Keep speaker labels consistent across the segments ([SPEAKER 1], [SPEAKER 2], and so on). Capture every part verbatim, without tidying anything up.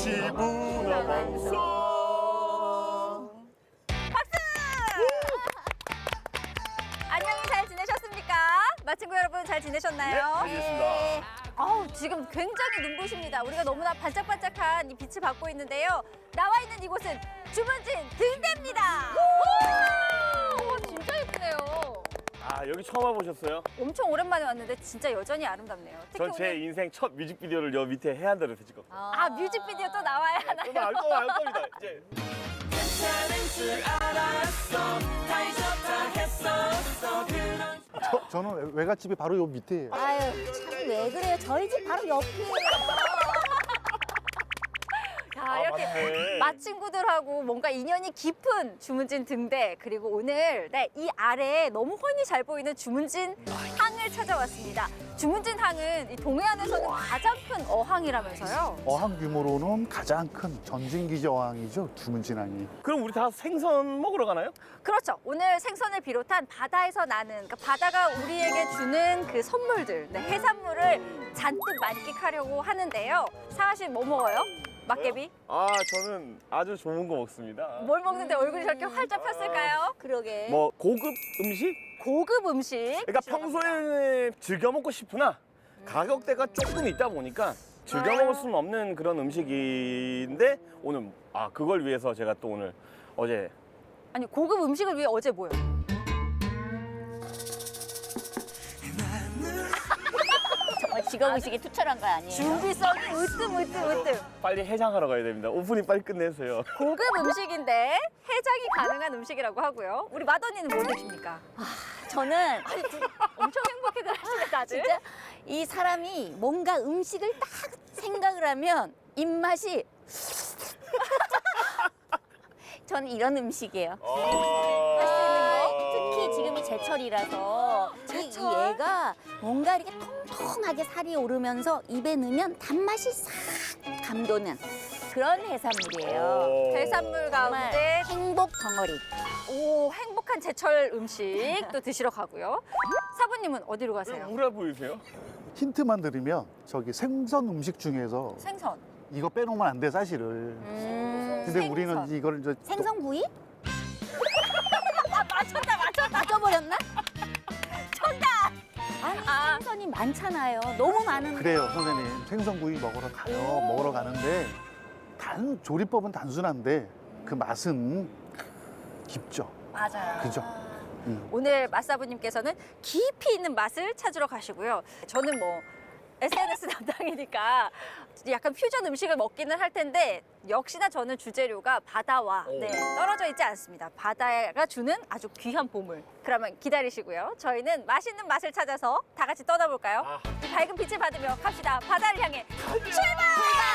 [SPEAKER 1] 엠씨 문화방송.
[SPEAKER 2] 박수! 안녕히 잘 지내셨습니까? 마친구 여러분 잘 지내셨나요?
[SPEAKER 1] 네, 잘 지냈습니다.
[SPEAKER 2] 어우, 지금 굉장히 눈부십니다. 우리가 너무나 반짝반짝한 이 빛을 받고 있는데요. 나와 있는 이곳은 주문진 등대입니다. 오! 진짜 예쁘네요.
[SPEAKER 1] 아, 여기 처음 와보셨어요?
[SPEAKER 2] 엄청 오랜만에 왔는데 진짜 여전히 아름답네요. 특히
[SPEAKER 1] 전 제
[SPEAKER 2] 오늘
[SPEAKER 1] 인생 첫 뮤직비디오를 여 밑에 해안도에서 찍었거든요.
[SPEAKER 2] 아, 뮤직비디오 또 나와야 하나요?
[SPEAKER 1] 또 알 거, 알 겁니다. 이제
[SPEAKER 3] 저, 저는 외갓집이 바로 요 밑에예요.
[SPEAKER 4] 아유 참 왜 그래요? 저희 집 바로 옆이에요.
[SPEAKER 2] 야,
[SPEAKER 1] 아,
[SPEAKER 2] 이렇게
[SPEAKER 1] 맞네.
[SPEAKER 2] 맛친구들하고 뭔가 인연이 깊은 주문진 등대, 그리고 오늘 네, 이 아래에 너무 훤히 잘 보이는 주문진 항을 찾아왔습니다. 주문진 항은 이 동해안에서는 가장 큰 어항이라면서요.
[SPEAKER 3] 어항 규모로는 가장 큰 전진기지 어항이죠, 주문진항이.
[SPEAKER 1] 그럼 우리 다 생선 먹으러 가나요?
[SPEAKER 2] 그렇죠. 오늘 생선을 비롯한 바다에서 나는, 그러니까 바다가 우리에게 주는 그 선물들, 네, 해산물을 잔뜩 만끽하려고 하는데요. 상아 씨 뭐 먹어요? 막개비?
[SPEAKER 1] 아, 저는 아주 좋은 거 먹습니다.
[SPEAKER 2] 뭘 먹는데 얼굴이 저렇게 활짝 폈을까요?
[SPEAKER 4] 그러게.
[SPEAKER 1] 뭐 고급 음식?
[SPEAKER 2] 고급 음식.
[SPEAKER 1] 그러니까 평소에 즐겨 먹고 싶으나 가격대가 조금 있다 보니까 즐겨 먹을 수는 없는 그런 음식인데 오늘 아 그걸 위해서 제가 또 오늘 어제
[SPEAKER 2] 아니, 고급 음식을 위해 어제 뭐요?
[SPEAKER 4] 정말 직업의식이 투철한 거 아니에요?
[SPEAKER 2] 준비성이 으뜸 으뜸 으뜸.
[SPEAKER 1] 빨리 해장하러 가야 됩니다. 오프닝 빨리 끝내세요.
[SPEAKER 2] 고급 음식인데 해장이 가능한 음식이라고 하고요. 우리 마더니는 뭘 드십니까?
[SPEAKER 4] 저는
[SPEAKER 2] 엄청 행복해들 하시네 다들.
[SPEAKER 4] 진짜 이 사람이 뭔가 음식을 딱 생각을 하면 입맛이 저는 이런 음식이에요.
[SPEAKER 1] 어...
[SPEAKER 4] 할 수 있는 거 특히 지금이 제철이라서 이, 이
[SPEAKER 2] 제철?
[SPEAKER 4] 얘가 뭔가 이렇게 통통하게 살이 오르면서 입에 넣으면 단맛이 싹 감도는 그런 해산물이에요.
[SPEAKER 1] 어...
[SPEAKER 2] 해산물
[SPEAKER 4] 정말
[SPEAKER 2] 가운데
[SPEAKER 4] 행복 덩어리.
[SPEAKER 2] 오, 행복한 제철 음식 또 드시러 가고요. 사부님은 어디로
[SPEAKER 1] 왜
[SPEAKER 2] 가세요?
[SPEAKER 1] 우울해 보이세요?
[SPEAKER 3] 힌트만 드리면 저기 생선 음식 중에서
[SPEAKER 2] 생선.
[SPEAKER 3] 이거 빼놓으면 안 돼, 사실을.
[SPEAKER 4] 음,
[SPEAKER 3] 근데
[SPEAKER 2] 생선.
[SPEAKER 3] 우리는 이걸 이제
[SPEAKER 4] 생선구이?
[SPEAKER 2] 아, 맞췄다 맞췄다.
[SPEAKER 4] 맞춰버렸나?
[SPEAKER 2] 정답.
[SPEAKER 4] 아니
[SPEAKER 2] 아.
[SPEAKER 4] 생선이 많잖아요. 너무 많은데.
[SPEAKER 3] 그래요, 선생님. 생선구이 먹으러 가요. 먹으러 가는데 단 조리법은 단순한데 그 맛은 깊죠.
[SPEAKER 2] 맞아요.
[SPEAKER 3] 그죠? 음.
[SPEAKER 2] 오늘 맛사부님께서는 깊이 있는 맛을 찾으러 가시고요. 저는 뭐 에스엔에스 담당이니까 약간 퓨전 음식을 먹기는 할 텐데 역시나 저는 주재료가 바다와
[SPEAKER 1] 오.
[SPEAKER 2] 네, 떨어져 있지 않습니다. 바다가 주는 아주 귀한 보물. 그러면 기다리시고요. 저희는 맛있는 맛을 찾아서 다 같이 떠나볼까요?
[SPEAKER 1] 아.
[SPEAKER 2] 이 밝은 빛을 받으며 갑시다. 바다를 향해 출발!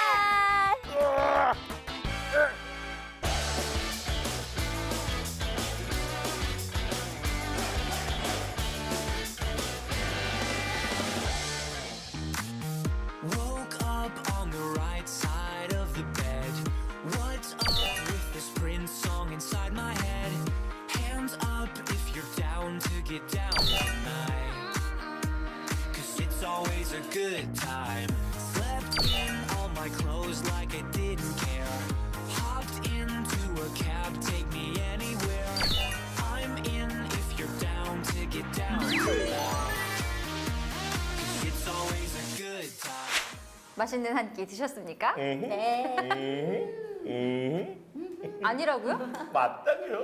[SPEAKER 5] Woke up on the right side of the bed. What's up with this Prince song inside my head? Hands up if you're down to get down tonight. Cause it's always a good time. Slept in all my clothes like I didn't care. Hopped into a cab, take me anywhere. I'm in if you're down to get down tonight. Cause it's always a good time.
[SPEAKER 2] 맛있는 한 끼 드셨습니까?
[SPEAKER 4] 네.
[SPEAKER 1] 음, 음,
[SPEAKER 2] 아니라고요?
[SPEAKER 1] 맞다고요?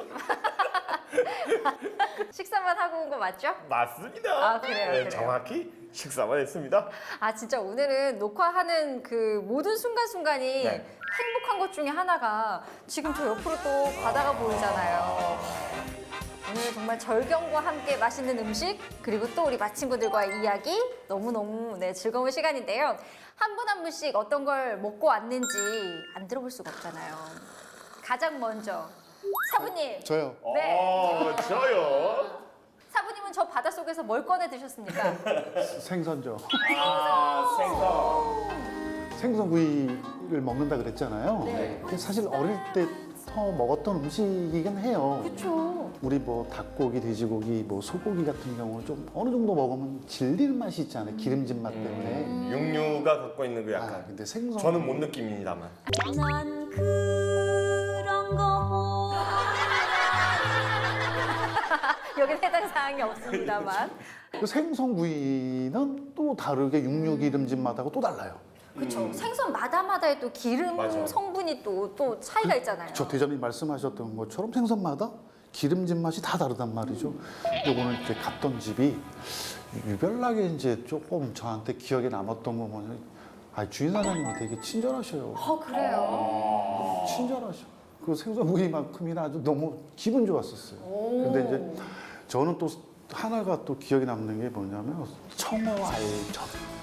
[SPEAKER 2] 식사만 하고 온 거 맞죠?
[SPEAKER 1] 맞습니다.
[SPEAKER 2] 아, 그래요, 그래요.
[SPEAKER 1] 정확히 식사만 했습니다.
[SPEAKER 2] 아, 진짜 오늘은 녹화하는 그 모든 순간순간이
[SPEAKER 1] 네.
[SPEAKER 2] 행복한 것 중에 하나가 지금 저 옆으로 또 바다가 보이잖아요. 오늘 정말 절경과 함께 맛있는 음식, 그리고 또 우리 맛친구들과의 이야기 너무너무 네, 즐거운 시간인데요. 한 분 한 분씩 어떤 걸 먹고 왔는지 안 들어볼 수가 없잖아요. 가장 먼저 사부님.
[SPEAKER 3] 저요.
[SPEAKER 2] 네.
[SPEAKER 1] 어, 저요.
[SPEAKER 2] 사부님은 저 바닷속에서 뭘 꺼내 드셨습니까?
[SPEAKER 3] 생선죠.
[SPEAKER 1] 아, 생선.
[SPEAKER 3] 생선구이를 먹는다 그랬잖아요. 근데 사실 어릴 때 옛날부터 먹었던 음식이긴 해요.
[SPEAKER 2] 그렇죠.
[SPEAKER 3] 우리 뭐 닭고기, 돼지고기, 뭐 소고기 같은 경우 좀 어느 정도 먹으면 질리는 맛이 있잖아요. 기름진 맛 때문에.
[SPEAKER 1] 음, 육류가 갖고 있는 그
[SPEAKER 3] 아,
[SPEAKER 1] 약간
[SPEAKER 3] 근데 생선
[SPEAKER 1] 저는 못 느낍니다만.
[SPEAKER 4] 난 그런 거
[SPEAKER 2] 여기는 해당 사항이 없습니다만.
[SPEAKER 3] 그 생선구이는 또 다르게 육류 기름진 맛하고 또 달라요.
[SPEAKER 2] 그렇죠. 생선마다마다의 또 기름
[SPEAKER 1] 맞아.
[SPEAKER 2] 성분이 또, 또 차이가 있잖아요.
[SPEAKER 3] 저 대장님 말씀하셨던 것처럼 생선마다 기름진 맛이 다 다르단 말이죠. 요거는 이제 갔던 집이 유별나게 이제 조금 저한테 기억에 남았던 거 뭐냐면 아, 주인 사장님이 되게 친절하셔요.
[SPEAKER 2] 어, 그래요?
[SPEAKER 3] 친절하셔. 그 생선구이만큼이나 아주 너무 기분 좋았었어요. 근데 이제 저는 또 하나가 또 기억에 남는 게 뭐냐면 청어 알젓,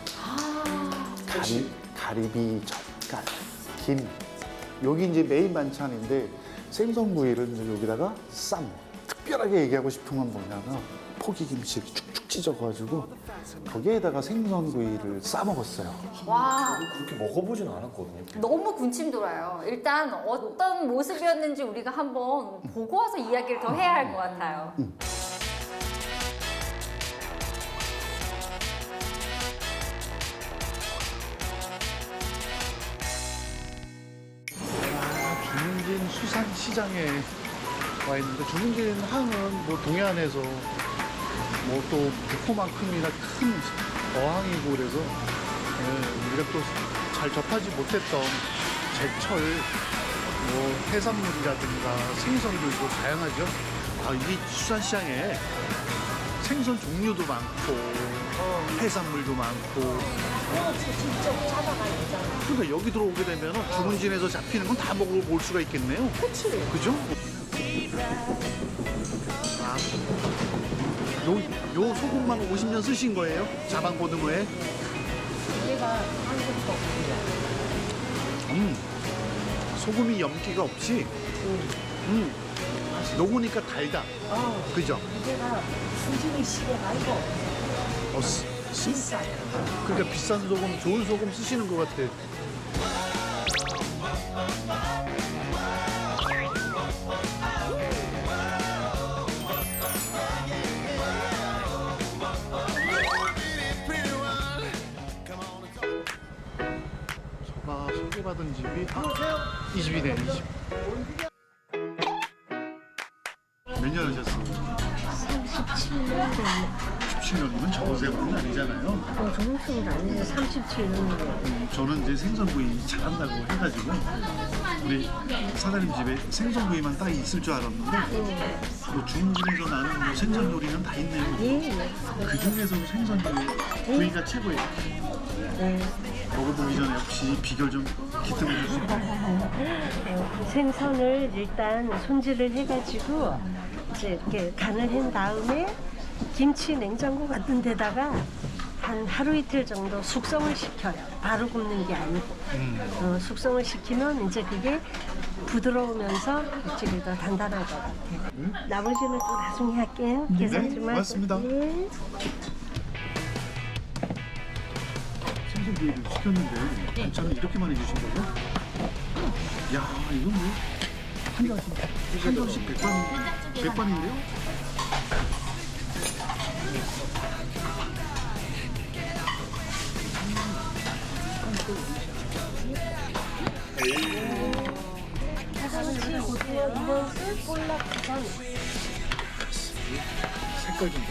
[SPEAKER 3] 가리, 가리비 젓갈, 김. 여기 이제 메인 반찬인데 생선구이를 이제 여기다가 쌈. 특별하게 얘기하고 싶은 건 뭐냐면 포기김치 축축 찢어가지고 거기에다가 생선구이를 싸 먹었어요.
[SPEAKER 2] 와,
[SPEAKER 1] 그렇게 먹어보진 않았거든요.
[SPEAKER 2] 너무 군침 돌아요. 일단 어떤 모습이었는지 우리가 한번 보고 와서 이야기를 더 해야 할 것 같아요.
[SPEAKER 3] 아, 주문진 수산시장에 와 있는데 주문진 항은 뭐 동해안에서 뭐 또 북포만큼이나 큰 어항이고 그래서 예, 우리가 또 잘 접하지 못했던 제철 뭐 해산물이라든가 생선도 있고 다양하죠. 아, 이 수산시장에 생선 종류도 많고 해산물도 많고. 근데 여기 들어오게 되면 주문진에서 잡히는 건 다 먹어볼 수가 있겠네요. 그치. 그죠? 아, 요, 요 소금만 오십 년 쓰신 거예요? 자방 고등어에? 얘가 한국도 없어요. 음, 소금이 염기가 없이, 음, 녹으니까 달다. 그죠?
[SPEAKER 6] 이제가 수준이 시대가 아니고
[SPEAKER 3] 어, 쓰, 쓰?
[SPEAKER 6] 비싸요.
[SPEAKER 3] 그러니까 비싼 소금, 좋은 소금 쓰시는 것 같아. 제가 소개받은 집이 이 집이네, 이 집. 몇 년 하셨어요?
[SPEAKER 6] 삼십칠 년 됐네.
[SPEAKER 3] 십칠 년이면 저세월은 아니잖아요.
[SPEAKER 6] 어, 정성도 아니고 삼십칠 년이에요.
[SPEAKER 3] 음, 저는 이제 생선구이 잘한다고 해가지고 우리 사장님 집에 생선구이만 딱 있을 줄 알았는데 뭐 중국에서 나는 뭐 생선 요리는 다 있네요.
[SPEAKER 6] 예, 예.
[SPEAKER 3] 그 중에서도 생선구이 구이가 최고예요.
[SPEAKER 6] 네.
[SPEAKER 3] 먹어보기 전에 혹시 비결 좀 기특해 주세요.
[SPEAKER 6] 어, 생선을 일단 손질을 해가지고 이제 이렇게 간을 한 다음에 김치 냉장고 같은 데다가 한 하루 이틀 정도 숙성을 시켜요. 바로 굽는 게 아니고 어, 숙성을 시키면 이제 그게 부드러우면서 육질이 더 단단할 것 같아요. 나머지는 또 나중에 할게요. 계산 좀 하고.
[SPEAKER 3] 고맙습니다.
[SPEAKER 6] 예.
[SPEAKER 3] 생선구이를 시켰는데 반찬을 이렇게 많이 주신 거예요? 야, 이건 뭐 한 잔씩 한 잔씩 백반 백반인데요?
[SPEAKER 6] 사실 보세요. 이것은 볼락전.
[SPEAKER 3] 색깔 좀 봐.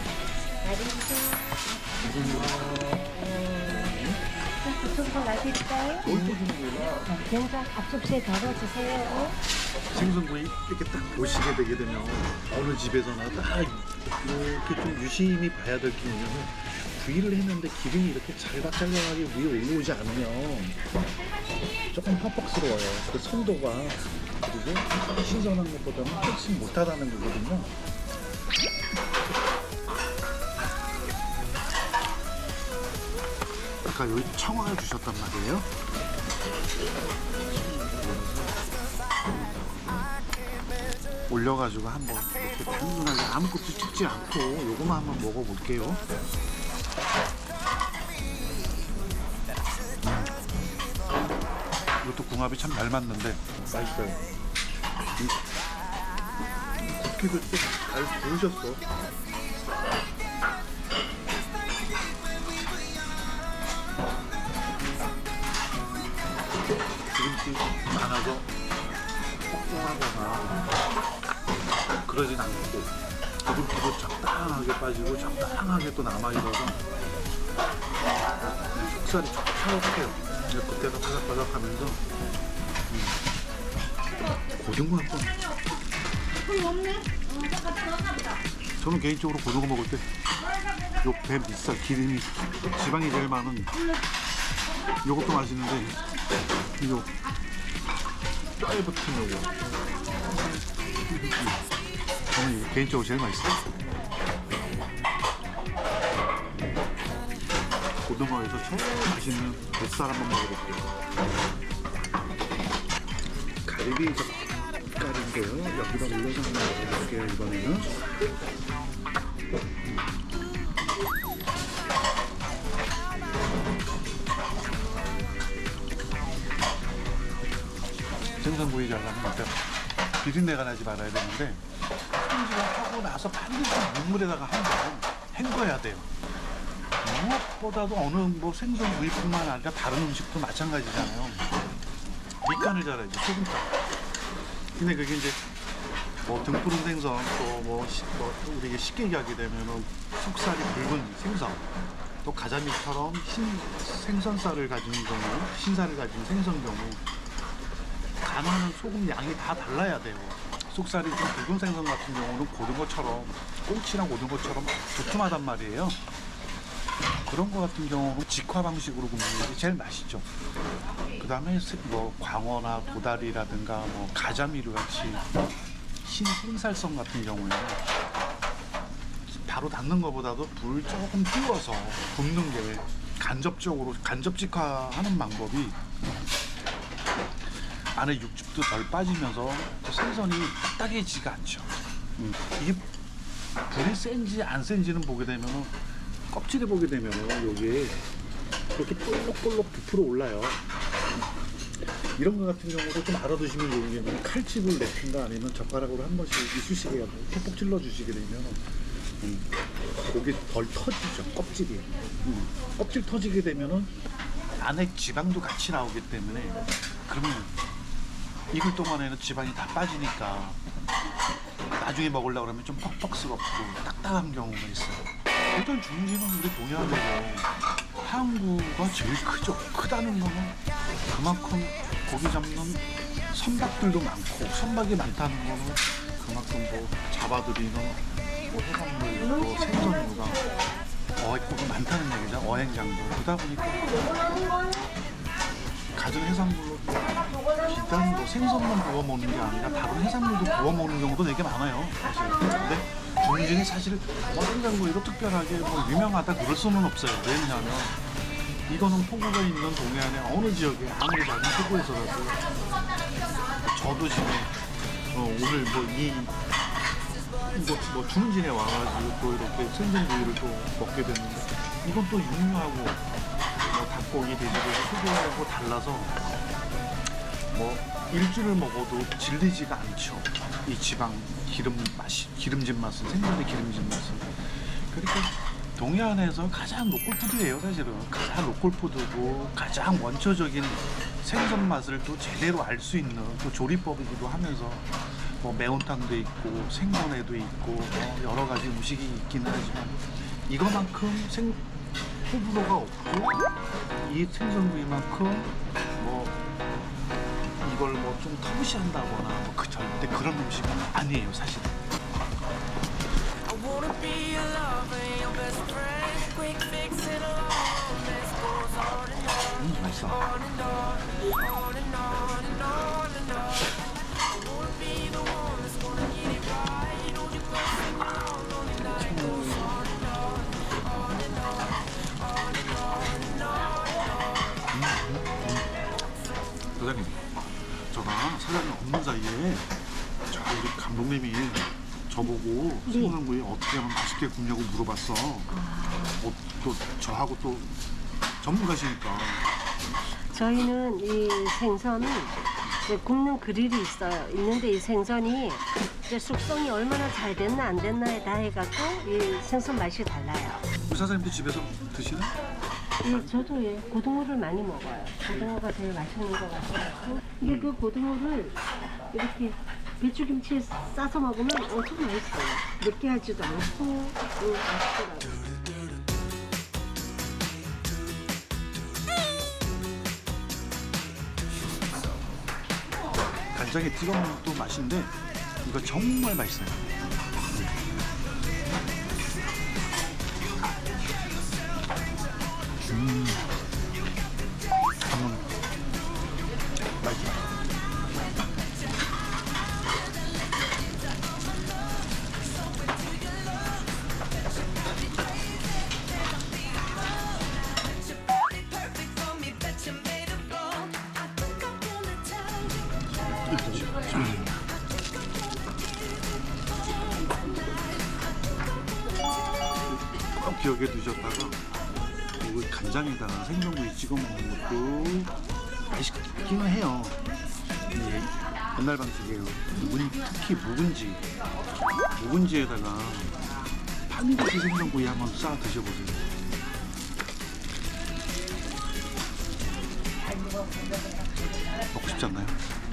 [SPEAKER 6] 부초콜 놔드릴까요?
[SPEAKER 3] 뭘 또 주는 거예요?
[SPEAKER 6] 된장 앞접시에 덜어주세요.
[SPEAKER 3] 생선구이 이렇게 딱 보시게 되게 되면 어느 집에서나 딱 이렇게 좀 유심히 봐야 될 게 뭐냐면 구이를 했는데 기름이 이렇게 잘박잘박하게 위에 올라오지 않으면 조금 퍽퍽스러워요. 그 선도가 그리고 신선한 것보다는 훨씬 못하다는 거거든요. 아까 여기 청어를 주셨단 말이에요. 올려가지고 한번 이렇게 단순하게 아무것도 찍지 않고 요거만 한번 먹어볼게요. 음. 이것도 궁합이 참 잘 맞는데 맛있어요. 굽기도 잘 구우셨어. 기름기 많아서 뻑뻑하거나 그러진 않고 기름기도 적당하게 빠지고 적당하게 또 남아있어서 속살이 촉촉해요. 그때가 바삭바삭하면서 음. 고등어 한번. 저는 개인적으로 고등어 먹을 때 요 배 밑살 기름이 지방이 제일 많은 요것도 맛있는데 요 뼈에 붙은 요거 저는 이게 개인적으로 제일 맛있어요. 고등어에서 제일 맛있는 뱃살 한번 먹어볼게요. 가리비 젓갈인데요. 여기다 올려서 한번 먹어볼게요. 이번에는 생선구이 잘라면 일단 비린내가 나지 말아야 되는데 손질을 하고 나서 반드시 물물에다가 한 번 헹궈야 돼요. 무엇보다도 어느 뭐 생선구이뿐만 아니라 다른 음식도 마찬가지잖아요. 밑간을 잘해야지, 소금간. 근데 그게 이제 뭐 등푸른 생선 또 뭐 뭐 우리가 쉽게 얘기하게 되면은 속살이 붉은 생선 또 가자미처럼 흰 생선살을 가진 경우 신살을 가진 생선 경우 간하는 소금 양이 다 달라야 돼요. 속살이 좀 붉은 생선 같은 경우는 고등어처럼 꽁치랑 고등어처럼 두툼하단 말이에요. 그런 거 같은 경우는 직화 방식으로 굽는 게 제일 맛있죠. 그 다음에 뭐 광어나 도다리라든가 뭐 가자미류 같이 흰 생살성 같은 경우에는 바로 닿는 것보다도 불 조금 띄워서 굽는 게 간접적으로 간접 직화하는 방법이 안에 육즙도 덜 빠지면서 생선이 딱딱해지지가 않죠. 음. 이게 불이 센지 안 센지는 보게 되면은 껍질에 보게 되면은 여기에 이렇게 볼록볼록 부풀어 올라요. 이런 거 같은 경우도 좀 알아두시면 좋은 게 칼집을 내든가 아니면 젓가락으로 한 번씩 이쑤시개 하고 톡톡 찔러 주시게 되면 음, 고기 덜 터지죠. 껍질이 음. 껍질 터지게 되면은 안에 지방도 같이 나오기 때문에 그러면 익을 동안에는 지방이 다 빠지니까 나중에 먹으려고 그러면 좀 퍽퍽스럽고 딱딱한 경우가 있어요. 일단 중지는 우리 동해안에서 항구가 제일 크죠. 크다는 거는 그만큼 고기 잡는 선박들도 많고 선박이 많다는 거는 그만큼 뭐 잡아들이는 뭐 해산물, 뭐 생선류가 어획고가 많다는 얘기죠. 어행량도 그러다 보니까 가진 해산물로 비단 뭐 생선만 구워 먹는 게 아니라 다른 해산물도 구워 먹는 경우도 되게 많아요. 사실. 근데 중진이 사실 뭐 생선구이로 특별하게 뭐 유명하다 그럴 수는 없어요. 왜냐하면 이거는 포구가 있는 동해안의 어느 지역에 아무리 작은 포구에서라도 저도 지금 어, 오늘 뭐이 뭐, 뭐 중진에 와가지고 또 이렇게 생선구이를 또 먹게 됐는데 이건 또 육류하고 뭐 닭고기, 돼지고기, 소고기하고 달라서 뭐 일주를 먹어도 질리지가 않죠. 이 지방 기름 맛이 기름진 맛은 생선의 기름진 맛은 그러니까 동해안에서 가장 로컬푸드예요. 사실은 가장 로컬푸드고 가장 원초적인 생선 맛을 또 제대로 알 수 있는 또 조리법이기도 하면서 뭐 매운탕도 있고 생선회도 있고 뭐 여러 가지 음식이 있기는 하지만 이거만큼 생 호불호가 없고 이 생선구이만큼 뭐 이걸 뭐 좀 터부시한다거나 뭐 그 절대 그런 음식은 아니에요, 사실.
[SPEAKER 5] I wanna be your lover, your best friend. Quick fix it alone. This goes on and on,
[SPEAKER 3] 음, 맛있어.
[SPEAKER 5] on and on, on and on and on and on. I wanna be the one that's gonna get it right. Hold you close and down, on the night goes on and on, on and on, on and on and on and on.
[SPEAKER 3] 사장님, 제가 사장님 없는 사이에 저 우리 감독님이 저보고 생선구이 어떻게 하면 맛있게 굽냐고 물어봤어. 어, 또 저하고 또 전문가시니까.
[SPEAKER 6] 저희는 이 생선은 이제 굽는 그릴이 있어요. 있는데 이 생선이 이제 숙성이 얼마나 잘 됐나 안 됐나에 다 해갖고 이 생선 맛이 달라요.
[SPEAKER 3] 우리 사장님도 집에서 드시나?
[SPEAKER 6] 예, 저도 예, 고등어를 많이 먹어요. 고등어가 제일 맛있는 것 같아요. 이게 그 고등어를 이렇게 배추김치에 싸서 먹으면 엄청 맛있어요. 느끼하지도 않고 음, 맛있더라고요.
[SPEAKER 3] 간장에 찍어 먹는 것도 맛있는데 이거 정말 맛있어요. 음. 한번 맛있어. 꼭 기억에 두셨다가 이거 간장에다가 생선구이 찍어 먹는 것도 맛있기는 해요. 근데 옛날 방식이에요. 묵은, 특히 묵은지, 묵은지에다가 파미리시 생선구이 한번 싸 드셔보세요. 먹고 싶지 않나요?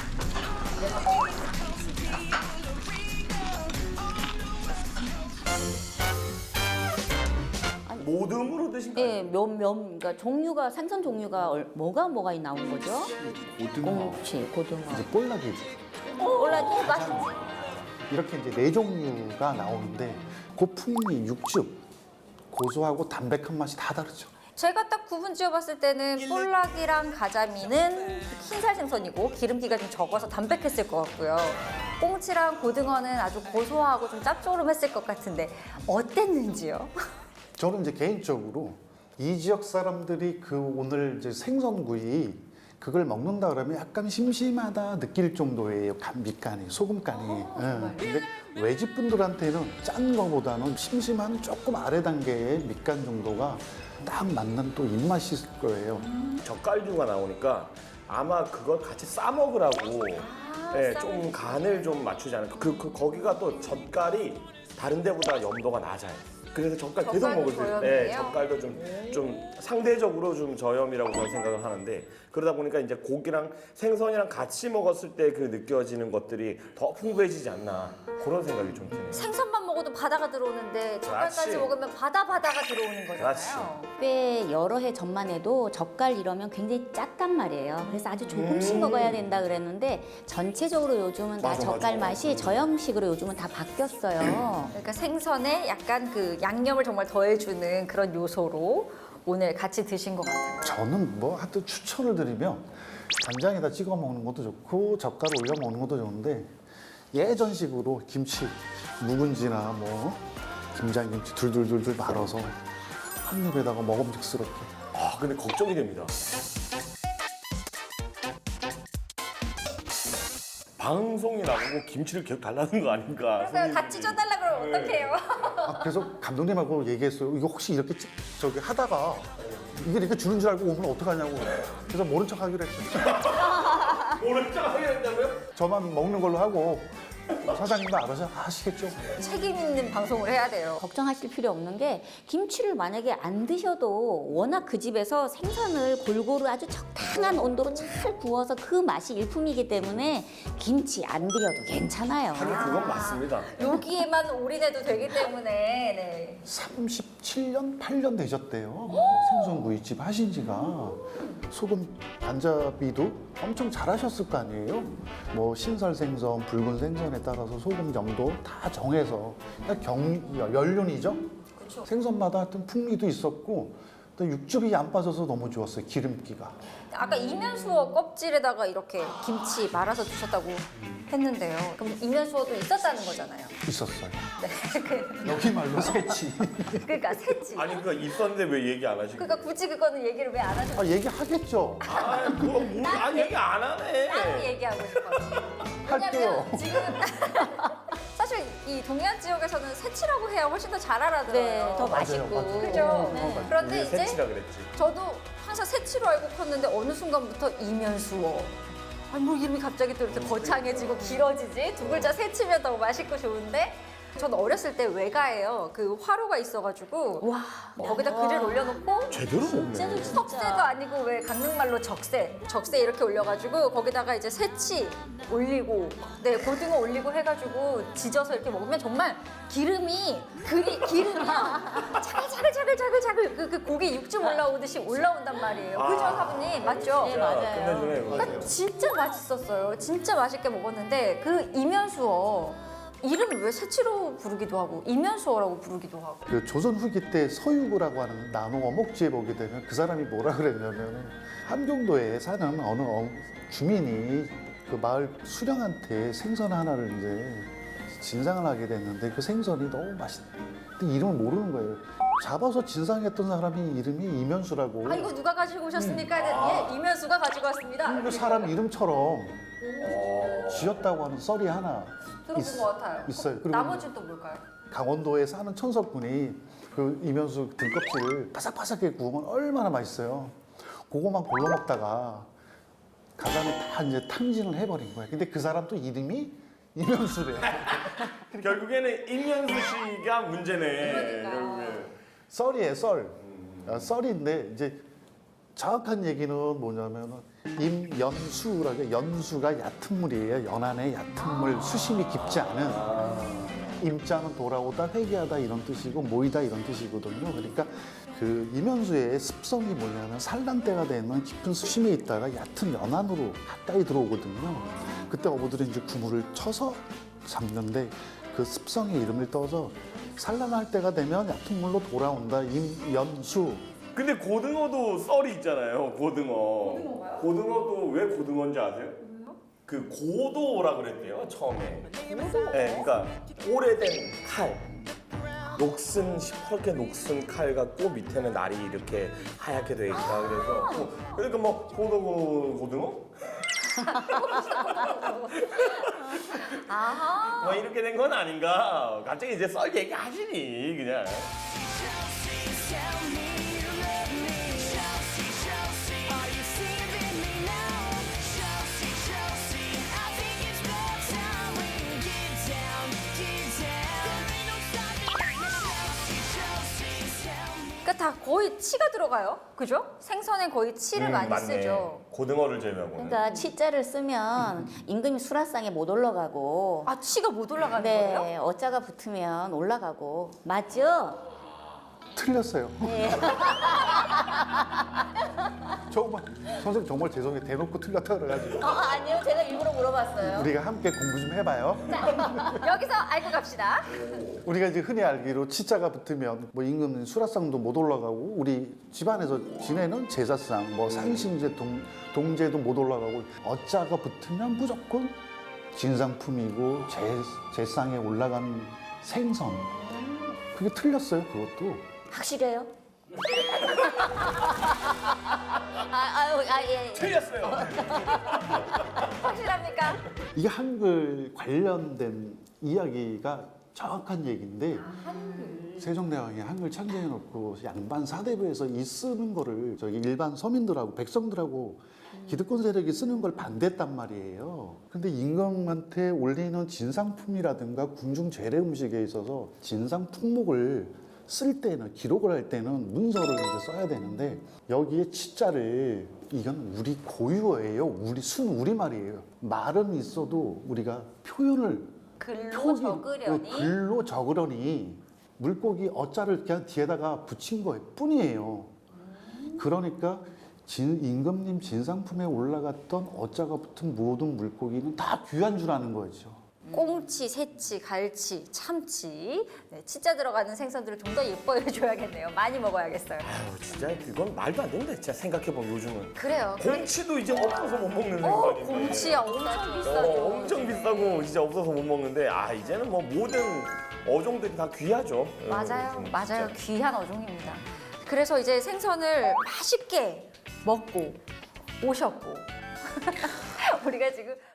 [SPEAKER 1] 모듬으로 드신 거예요?
[SPEAKER 4] 예, 면, 면, 그러니까 종류가 생선 종류가 얼- 뭐가 뭐가 나온 거죠?
[SPEAKER 3] 고등어,
[SPEAKER 4] 꽁치, 고등어,
[SPEAKER 7] 이제 볼락이
[SPEAKER 4] 올라기 맛있지.
[SPEAKER 7] 이렇게 이제 네 종류가 나오는데 그 풍미, 육즙, 고소하고 담백한 맛이 다 다르죠.
[SPEAKER 2] 제가 딱 구분 지어봤을 때는 볼락이랑 가자미는 흰살 생선이고 기름기가 좀 적어서 담백했을 것 같고요. 꽁치랑 고등어는 아주 고소하고 좀 짭조름했을 것 같은데 어땠는지요?
[SPEAKER 7] 저는 이제 개인적으로 이 지역 사람들이 그 오늘 이제 생선구이 그걸 먹는다 그러면 약간 심심하다 느낄 정도의 간, 밑간이, 소금간이. 예. 근데 외집 분들한테는 짠 거보다는 심심한 조금 아래 단계의 밑간 정도가 딱 맞는 또 입맛이 있을 거예요.
[SPEAKER 1] 젓갈류가 나오니까 아마 그걸 같이 싸 먹으라고 예, 좀 간을 좀 맞추지 않을까. 그, 그 거기가 또 젓갈이 다른 데보다 염도가 낮아요. 그래서 젓갈 계속
[SPEAKER 2] 젓갈도
[SPEAKER 1] 먹을 수 있어요.
[SPEAKER 2] 저염이에요?
[SPEAKER 1] 네, 젓갈도 좀, 좀 상대적으로 좀 저염이라고 저는 생각을 하는데 그러다 보니까 이제 고기랑 생선이랑 같이 먹었을 때 그 느껴지는 것들이 더 풍부해지지 않나 그런 생각이 좀 드네요.
[SPEAKER 2] 생선만 먹어도 바다가 들어오는데 젓갈까지
[SPEAKER 1] 그렇지.
[SPEAKER 2] 먹으면 바다 바다가 들어오는 거잖아요.
[SPEAKER 1] 그렇지.
[SPEAKER 4] 꽤 여러 해 전만 해도 젓갈 이러면 굉장히 짰단 말이에요. 그래서 아주 조금씩
[SPEAKER 1] 음.
[SPEAKER 4] 먹어야 된다 그랬는데 전체적으로 요즘은 다
[SPEAKER 1] 맞아,
[SPEAKER 4] 젓갈
[SPEAKER 1] 맞아.
[SPEAKER 4] 맛이 저염식으로 요즘은 다 바뀌었어요.
[SPEAKER 2] 그러니까 생선에 약간 그 양념을 정말 더해주는 그런 요소로 오늘 같이 드신 것 같아요.
[SPEAKER 7] 저는 뭐 하여튼 추천을 드리면 간장에다 찍어 먹는 것도 좋고 젓갈 올려 먹는 것도 좋은데 예전식으로 김치, 묵은지나 뭐 김장김치 둘둘둘둘 말아서 한 입에다가 먹음직스럽게.
[SPEAKER 1] 아 근데 걱정이 됩니다. 방송이 나오고 김치를 계속 달라는 거 아닌가.
[SPEAKER 2] 그래서 다 찢어달라 그러면 어떡해요?
[SPEAKER 7] 아, 그래서 감독님하고 얘기했어요. 이거 혹시 이렇게 찍- 저기 하다가 이게 이렇게 주는 줄 알고 오면 어떡하냐고. 그래서 모른 척 하기로 했어요.
[SPEAKER 1] 모른 척 하게 된다고요?
[SPEAKER 7] 저만 먹는 걸로 하고 사장님도 알아서 하시겠죠.
[SPEAKER 2] 책임 있는 방송을 해야 돼요.
[SPEAKER 4] 걱정하실 필요 없는 게 김치를 만약에 안 드셔도 워낙 그 집에서 생선을 골고루 아주 적당한 온도로 잘 구워서 그 맛이 일품이기 때문에 김치 안 드려도 괜찮아요.
[SPEAKER 1] 하긴 그건 맞습니다.
[SPEAKER 2] 여기에만 올인해도 되기 때문에 네.
[SPEAKER 7] 삼십칠 년, 팔 년 되셨대요. 생선구이집 하신 지가. 소금 간자비도 엄청 잘하셨을 거 아니에요. 뭐 신설 생선, 붉은 생선에 따라서 소금 정도 다 정해서 그냥 경, 연륜이죠. 생선마다 하여튼 풍미도 있었고 또 육즙이 안 빠져서 너무 좋았어요. 기름기가.
[SPEAKER 2] 아까 이면수어 껍질에다가 이렇게 김치 말아서 주셨다고 했는데요. 그럼 이면수어도 있었다는 거잖아요.
[SPEAKER 7] 있었어요.
[SPEAKER 2] 네. 그-
[SPEAKER 7] 여기 말로 새치.
[SPEAKER 2] 그러니까 새치.
[SPEAKER 1] 아니 그니까 있었는데 왜 얘기 안 하시고?
[SPEAKER 2] 그러니까 굳이 그거는 얘기를 왜 안 하셨어요?
[SPEAKER 7] 아, 얘기하겠죠.
[SPEAKER 1] 아, 뭐, 뭐, 아니 얘기 안 하네.
[SPEAKER 2] 따로 얘기하고 싶어서.
[SPEAKER 7] 할게요.
[SPEAKER 2] 왜냐면 지금 사실 이 동해안 지역에서는 새치라고 해야 훨씬 더 잘 알아들어요.
[SPEAKER 4] 네, 더 맛있고.
[SPEAKER 7] 맞아요.
[SPEAKER 2] 그죠?
[SPEAKER 4] 네.
[SPEAKER 2] 그런데
[SPEAKER 1] 우리
[SPEAKER 2] 이제
[SPEAKER 1] 새치라 그랬지.
[SPEAKER 2] 저도 항상 새치로 알고 컸는데 어느 순간부터 이면수어 아니 뭐 이름이 갑자기 또 이렇게 거창해지고 길어지지? 두 글자 세치면 더 맛있고 좋은데? 전 어렸을 때 외가에요. 그 화로가 있어가지고
[SPEAKER 4] 와.
[SPEAKER 2] 거기다 글을 올려놓고
[SPEAKER 1] 제대로 먹네.
[SPEAKER 2] 석쇠도 아니고 왜 강릉말로 적쇠, 적쇠 이렇게 올려가지고 거기다가 이제 새치 올리고, 네 고등어 올리고 해가지고 지져서 이렇게 먹으면 정말 기름이 그리 기름이 자글자글자글자글 그, 그 고기 육즙 올라오듯이 올라온단 말이에요. 그죠 사부님 맞죠?
[SPEAKER 4] 네, 맞아요.
[SPEAKER 1] 끝내주네.
[SPEAKER 2] 그러니까
[SPEAKER 1] 그거.
[SPEAKER 2] 진짜 맛있었어요. 진짜 맛있게 먹었는데 그 이면수어 이름을 왜 새치로 부르기도 하고 이면수어라고 부르기도 하고.
[SPEAKER 7] 그 조선 후기 때 서유구라고 하는 나노 어목지에 보게 되면 그 사람이 뭐라 그랬냐면 함경도에 사는 어느 어- 주민이 그 마을 수령한테 생선 하나를 이제 진상을 하게 됐는데 그 생선이 너무 맛있대. 근데 이름을 모르는 거예요. 잡아서 진상했던 사람이 이름이 이면수라고.
[SPEAKER 2] 아 이거 누가 가지고 오셨습니까? 예, 이면수가 가지고 왔습니다.
[SPEAKER 7] 그 사람 이름처럼 지었다고 하는 썰이 하나
[SPEAKER 2] 들어본
[SPEAKER 7] 있-
[SPEAKER 2] 것 같아요.
[SPEAKER 7] 있어요. 그리고
[SPEAKER 2] 나머지는 또 뭘까요?
[SPEAKER 7] 강원도에 사는 천석군이 그 이면수 등껍질을 바삭바삭하게 구우면 얼마나 맛있어요. 그거만 골라 먹다가 가장에 다 이제 탕진을 해버린 거예요. 근데 그 사람 또 이름이 이면수래.
[SPEAKER 1] 결국에는 임현수 씨가 문제네.
[SPEAKER 2] 그러니까.
[SPEAKER 1] 결국엔.
[SPEAKER 7] 썰이에요, 썰. 아, 썰인데 이제 정확한 얘기는 뭐냐면은 임연수라고 연수가 얕은 물이에요. 연안의 얕은 물, 수심이 깊지 않은. 임자는 돌아오다, 회개하다 이런 뜻이고 모이다 이런 뜻이거든요. 그러니까 그 임연수의 습성이 뭐냐면 산란대가 되면 깊은 수심에 있다가 얕은 연안으로 가까이 들어오거든요. 그때 어부들이 이제 그물을 쳐서 잡는데 그 습성의 이름을 떠서 산란할 때가 되면 얕은 물로 돌아온다. 임연수.
[SPEAKER 1] 근데 고등어도 썰이 있잖아요. 고등어. 고등어가요? 고등어도 왜 고등어인지 아세요? 그 고도라 그랬대요 처음에. 고도? 네, 그러니까 오래된 칼. 녹슨 시퍼렇게 녹슨 칼 갖고 밑에는 날이 이렇게 하얗게 돼 있다. 그래서 뭐, 그러니까 뭐 고도 고- 고등어?
[SPEAKER 2] 아하.
[SPEAKER 1] 뭐 이렇게 된 건 아닌가? 갑자기 이제 썰 얘기 하시니 그냥.
[SPEAKER 5] Tell me you love me. Chelsea, Chelsea, are you saving me now? Chelsea, Chelsea, I think it's about time we get down, get down. There ain't no stopping us now. Chelsea, Chelsea, tell me.
[SPEAKER 2] 그러니까 다 거의 치가 들어가요. 그죠? 생선에 거의 치를
[SPEAKER 1] 음,
[SPEAKER 2] 많이
[SPEAKER 1] 맞네.
[SPEAKER 2] 쓰죠.
[SPEAKER 1] 고등어를 제외하고는.
[SPEAKER 4] 그러니까 치자를 쓰면 임금이 수라상에 못 올라가고.
[SPEAKER 2] 아 치가 못 올라가는
[SPEAKER 4] 네,
[SPEAKER 2] 거예요?
[SPEAKER 4] 어자가 붙으면 올라가고. 맞죠?
[SPEAKER 7] 틀렸어요.
[SPEAKER 4] 네.
[SPEAKER 7] 정말 선생님 정말 죄송해요. 대놓고 틀렸다 그래가지고
[SPEAKER 4] 어, 아니요, 제가 일부러 물어봤어요.
[SPEAKER 7] 우리가 함께 공부 좀 해봐요.
[SPEAKER 2] 여기서 알고 갑시다.
[SPEAKER 7] 우리가 이제 흔히 알기로 치자가 붙으면 뭐 임금은 수라상도 못 올라가고 우리 집안에서 지내는 제사상, 뭐 상신제, 동, 동제도 못 올라가고 어자가 붙으면 무조건 진상품이고 제, 제상에 올라간 생선. 그게 틀렸어요. 그것도.
[SPEAKER 4] 확실해요? 아, 아유, 아, 예, 예.
[SPEAKER 1] 틀렸어요.
[SPEAKER 2] 확실합니까?
[SPEAKER 7] 이게 한글 관련된 이야기가 정확한 얘기인데 세종대왕이 한글 창제해놓고 양반 사대부에서 이 쓰는 거를 저기 일반 서민들하고 백성들하고 기득권 세력이 쓰는 걸 반대했단 말이에요. 근데 임금한테 올리는 진상품이라든가 궁중 재래 음식에 있어서 진상 품목을 쓸 때는 기록을 할 때는 문서를 이제 써야 되는데 여기에 치자를 이건 우리 고유어예요. 우리 순 우리말이에요. 말은 있어도 우리가 표현을
[SPEAKER 2] 글로
[SPEAKER 7] 표기-
[SPEAKER 2] 적으려니
[SPEAKER 7] 어, 글로 적으려니 물고기 어자를 그냥 뒤에다가 붙인 거예요 뿐이에요. 그러니까 진, 임금님 진상품에 올라갔던 어자가 붙은 모든 물고기는 다 귀한 줄 아는 거죠.
[SPEAKER 2] 꽁치, 새치, 갈치, 참치, 네, 치자 들어가는 생선들을 좀 더 예뻐해 줘야겠네요. 많이 먹어야겠어요.
[SPEAKER 1] 아유 진짜 그건 말도 안 된다. 진짜 생각해보면 요즘은.
[SPEAKER 2] 그래요.
[SPEAKER 1] 곰치도 이제 없어서 못 먹는
[SPEAKER 2] 어,
[SPEAKER 1] 생선인데.
[SPEAKER 2] 곰치야 엄청 비싸죠.
[SPEAKER 1] 어, 엄청 비싸고 진짜 없어서 못 먹는데 아 이제는 뭐 모든 어종들이 다 귀하죠.
[SPEAKER 2] 맞아요,
[SPEAKER 1] 음,
[SPEAKER 2] 맞아요.
[SPEAKER 1] 진짜.
[SPEAKER 2] 귀한 어종입니다. 그래서 이제 생선을 맛있게 먹고 오셨고 우리가 지금